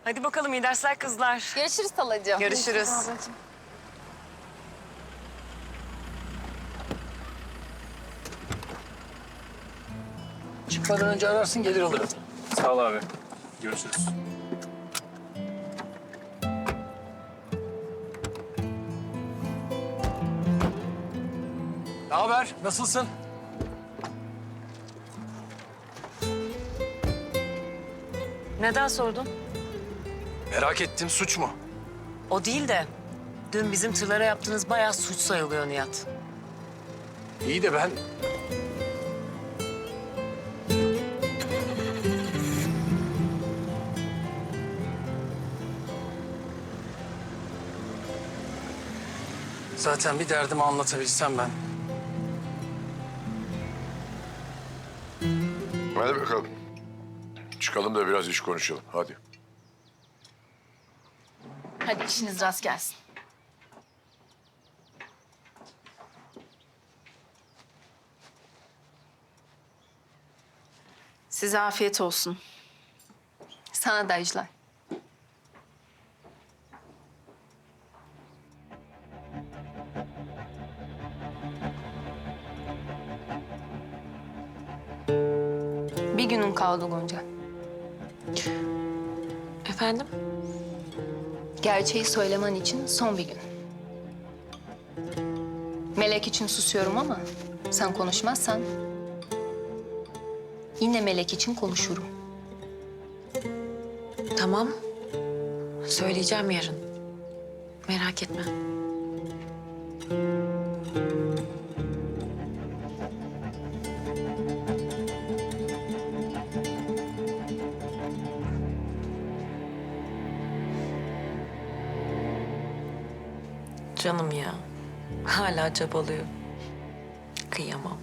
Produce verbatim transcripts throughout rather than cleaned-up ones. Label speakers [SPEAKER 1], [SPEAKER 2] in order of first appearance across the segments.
[SPEAKER 1] Hadi bakalım iyi dersler kızlar.
[SPEAKER 2] Görüşürüz halacığım.
[SPEAKER 1] Görüşürüz.
[SPEAKER 2] ablacığım.
[SPEAKER 3] Çıkmadan önce ararsın gelir alırım.
[SPEAKER 4] Sağ ol abi. Görüşürüz.
[SPEAKER 3] Ne haber? Nasılsın?
[SPEAKER 1] Neden sordun?
[SPEAKER 3] Merak ettim, suç mu?
[SPEAKER 1] O değil de dün bizim tırlara yaptığınız bayağı suç sayılıyor Nihat.
[SPEAKER 3] İyi de ben... Zaten bir derdimi anlatabilsem ben.
[SPEAKER 5] Hadi bakalım. Çıkalım da biraz iş konuşalım. Hadi.
[SPEAKER 2] Hadi işiniz rast gelsin. Size afiyet olsun. Sana da Ejder. Bir günün kaldı Gonca.
[SPEAKER 1] Efendim?
[SPEAKER 2] Gerçeği söylemen için son bir gün. Melek için susuyorum ama sen konuşmazsan yine Melek için konuşurum.
[SPEAKER 1] Tamam. Söyleyeceğim yarın. Merak etme. Canım ya. Hala çabalıyor. Kıyamam.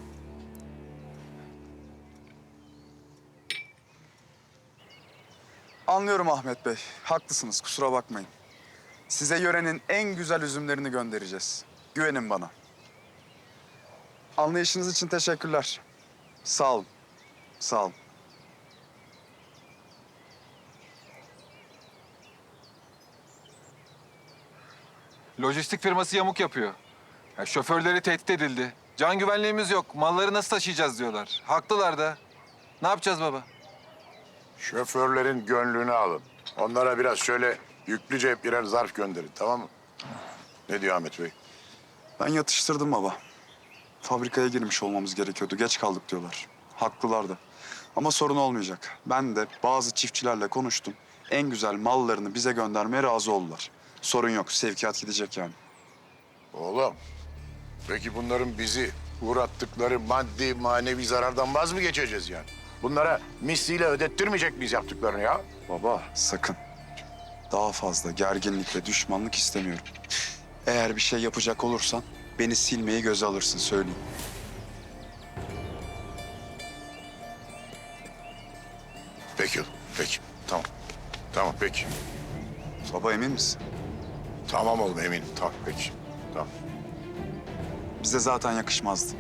[SPEAKER 6] Anlıyorum Ahmet Bey. Haklısınız, kusura bakmayın. Size yörenin en güzel üzümlerini göndereceğiz. Güvenin bana. Anlayışınız için teşekkürler. Sağ olun. Sağ olun.
[SPEAKER 7] Lojistik firması yamuk yapıyor. Ya şoförleri tehdit edildi. Can güvenliğimiz yok. Malları nasıl taşıyacağız diyorlar. Haklılar da. Ne yapacağız baba?
[SPEAKER 5] Şoförlerin gönlünü alın. Onlara biraz şöyle yüklüce birer zarf gönderin, tamam mı? Ne diyor Ahmet Bey?
[SPEAKER 6] Ben yatıştırdım baba. Fabrikaya girmiş olmamız gerekiyordu. Geç kaldık diyorlar. Haklılardı. Ama sorun olmayacak. Ben de bazı çiftçilerle konuştum. En güzel mallarını bize göndermeye razı oldular. Sorun yok. Sevkiyat gidecek yani.
[SPEAKER 5] Oğlum, peki bunların bizi uğrattıkları maddi manevi zarardan vaz mı geçeceğiz yani? Bunlara misliyle ödettirmeyecek miyiz yaptıklarını ya?
[SPEAKER 6] Baba sakın. Daha fazla gerginlik ve düşmanlık istemiyorum. Eğer bir şey yapacak olursan beni silmeyi göze alırsın söyleyeyim.
[SPEAKER 5] Peki oğlum, peki. Tamam. Tamam, peki.
[SPEAKER 6] Baba emin misin?
[SPEAKER 5] Tamam oğlum, eminim. Tamam, peki. Tamam.
[SPEAKER 6] Bize zaten yakışmazdı.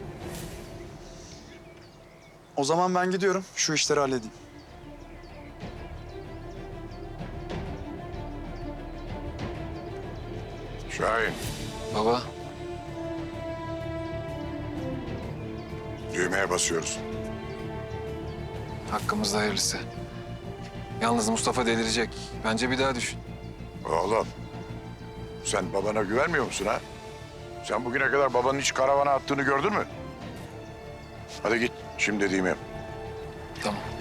[SPEAKER 6] O zaman ben gidiyorum. Şu işleri halledeyim.
[SPEAKER 5] Şahin,
[SPEAKER 7] Baba.
[SPEAKER 5] düğmeye basıyoruz.
[SPEAKER 7] Hakkımızda hayırlısı. Yalnız Mustafa delirecek. Bence bir daha düşün.
[SPEAKER 5] Oğlum, sen babana güvenmiyor musun ha? Sen bugüne kadar babanın hiç karavana attığını gördün mü? Hadi git, şimdi dediğimi yap.
[SPEAKER 7] Tamam.